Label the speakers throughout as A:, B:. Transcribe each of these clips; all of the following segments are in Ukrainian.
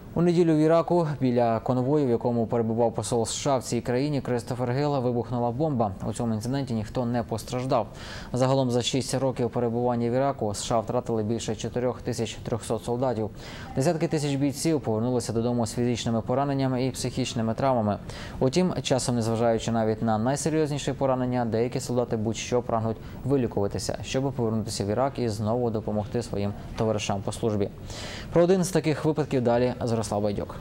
A: У неділю в Іраку біля конвою, в якому перебував посол США в цій країні Кристофер Гіл, вибухнула бомба. У цьому інциденті ніхто не постраждав. Загалом за 6 років перебування в Іраку США втратили більше 4300 солдатів. Десятки тисяч бійців повернулися додому з фізичними пораненнями і психічними травмами. Утім, часом, незважаючи навіть на найсерйозніші поранення, деякі солдати будь-що прагнуть вилікуватися, щоб повернутися в Ірак і знову допомогти своїм товаришам по службі. Про один з таких випадків далі Зорислав Байдюк.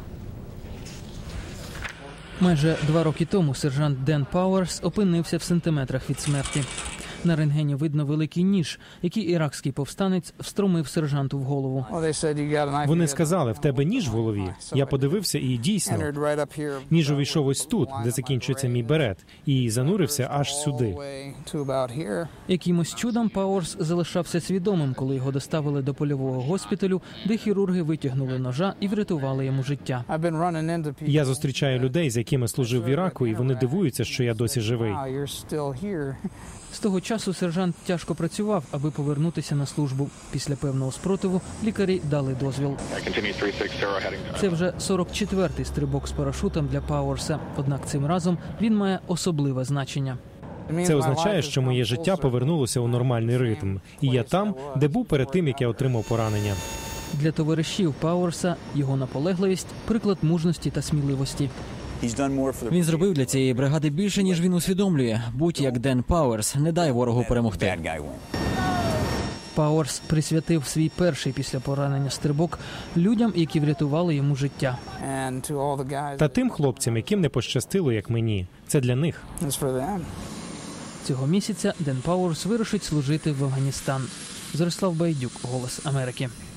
B: Майже 2 роки тому сержант Ден Пауерс опинився в сантиметрах від смерті. На рентгені видно великий ніж, який іракський повстанець встромив сержанту в голову.
C: Вони сказали, в тебе ніж в голові. Я подивився і дійсно, ніж увійшов ось тут, де закінчується мій берет, і занурився аж сюди.
B: Якимось чудом Пауерс залишався свідомим, коли його доставили до польового госпіталю, де хірурги витягнули ножа і врятували йому життя.
C: Я зустрічаю людей, з якими служив в Іраку, і вони дивуються, що я досі живий.
B: З того часу сержант тяжко працював, аби повернутися на службу. Після певного спротиву лікарі дали дозвіл. Це вже 44-й стрибок з парашутом для Пауерса. Однак цим разом він має особливе значення.
C: Це означає, що моє життя повернулося у нормальний ритм. І я там, де був перед тим, як я отримав поранення.
B: Для товаришів Пауерса його наполегливість – приклад мужності та сміливості.
D: Він зробив для цієї бригади більше, ніж він усвідомлює. Будь як Ден Пауерс, не дай ворогу перемогти.
B: Пауерс присвятив свій перший після поранення стрибок людям, які врятували йому життя.
C: Та тим хлопцям, яким не пощастило, як мені. Це для них.
B: Цього місяця Ден Пауерс вирушить служити в Афганістан. Зорислав Байдюк, «Голос Америки».